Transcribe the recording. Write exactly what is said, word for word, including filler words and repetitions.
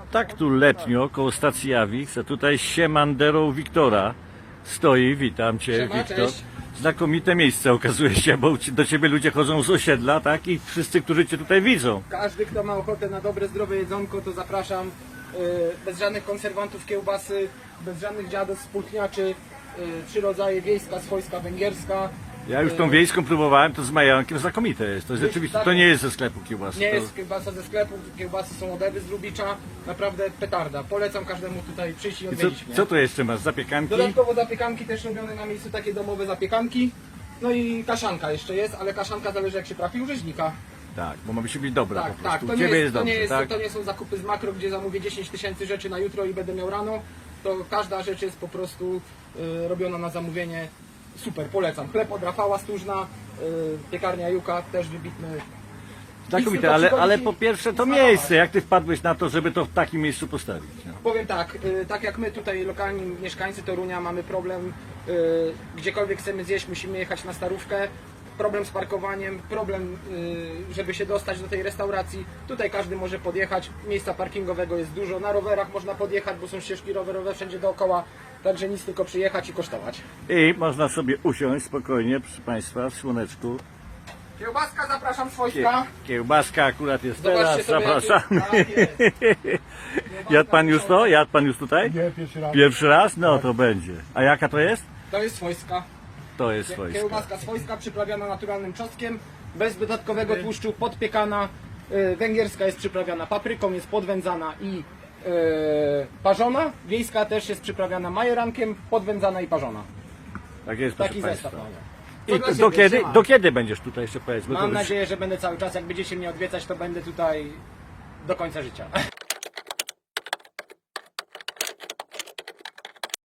tak tu letnio koło stacji Awix, a tutaj z siemanderą Wiktora stoi. Witam Cię, Siema, Wiktor. cześć. Znakomite miejsce okazuje się, bo do Ciebie ludzie chodzą z osiedla, tak? I wszyscy, którzy Cię tutaj widzą. Każdy, kto ma ochotę na dobre, zdrowe jedzonko, to zapraszam. Yy, bez żadnych konserwantów, kiełbasy, bez żadnych dziadów, spółtniaczy. Yy, trzy rodzaje: wiejska, swojska, węgierska. Ja już tą wiejską próbowałem, to z majonkiem znakomite jest. To jest Jest rzeczywiście, tak- to nie jest ze sklepu kiełbasy. Nie to... jest kiełbasa ze sklepu, kiełbasy są od Ewy z Lubicza. Naprawdę petarda. Polecam każdemu tutaj przyjść i I co, odwiedzić mnie. co tu jeszcze masz? Zapiekanki? Dodatkowo zapiekanki też robione na miejscu, takie domowe zapiekanki. No i kaszanka jeszcze jest, ale kaszanka zależy jak się trafi u rzeźnika. Tak, bo ma być dobra Tak, po tak, prostu. to U nie, Ciebie jest, jest to, nie dobrze, jest, tak? to nie są zakupy z makro, gdzie zamówię dziesięć tysięcy rzeczy na jutro i będę miał rano. To każda rzecz jest po prostu y, robiona na zamówienie. Super, polecam. Chleb od Rafała Stróżna, y, piekarnia Juka, też wybitny. Znakomite, tylko ale, przychodzić ale i- po pierwsze i to smarować. miejsce. Jak Ty wpadłeś na to, żeby to w takim miejscu postawić? No. Powiem tak, y, tak jak my tutaj lokalni mieszkańcy Torunia mamy problem, y, gdziekolwiek chcemy zjeść, musimy jechać na Starówkę. Problem z parkowaniem, problem, y, żeby się dostać do tej restauracji. Tutaj każdy może podjechać, miejsca parkingowego jest dużo, na rowerach można podjechać, bo są ścieżki rowerowe wszędzie dookoła, także nic, tylko przyjechać i kosztować. I można sobie usiąść spokojnie, proszę Państwa, w słoneczku. Kiełbaska, zapraszam, Kie, swojska. kiełbaska akurat jest Zobaczcie teraz, sobie, zapraszamy. jaki- tak jest. Jadł Pan już to? Jadł Pan już tutaj? Nie, pierwszy raz. Pierwszy raz? No to będzie. A jaka to jest? To jest swojska. To jest swojska. Kiełbaska swojska, przyprawiana naturalnym czosnkiem, bez dodatkowego tłuszczu, podpiekana. Y, Węgierska jest przyprawiana papryką, jest podwędzana i y, parzona. Wiejska też jest przyprawiana majerankiem, podwędzana i parzona. Tak jest, proszę Taki Państwa. zestaw mamy. I To do, dla do, siebie, kiedy, siema. do kiedy będziesz tutaj jeszcze powiedz? Bo to Mam już- nadzieję, że będę cały czas. Jak będziecie mnie odwiedzać, to będę tutaj do końca życia.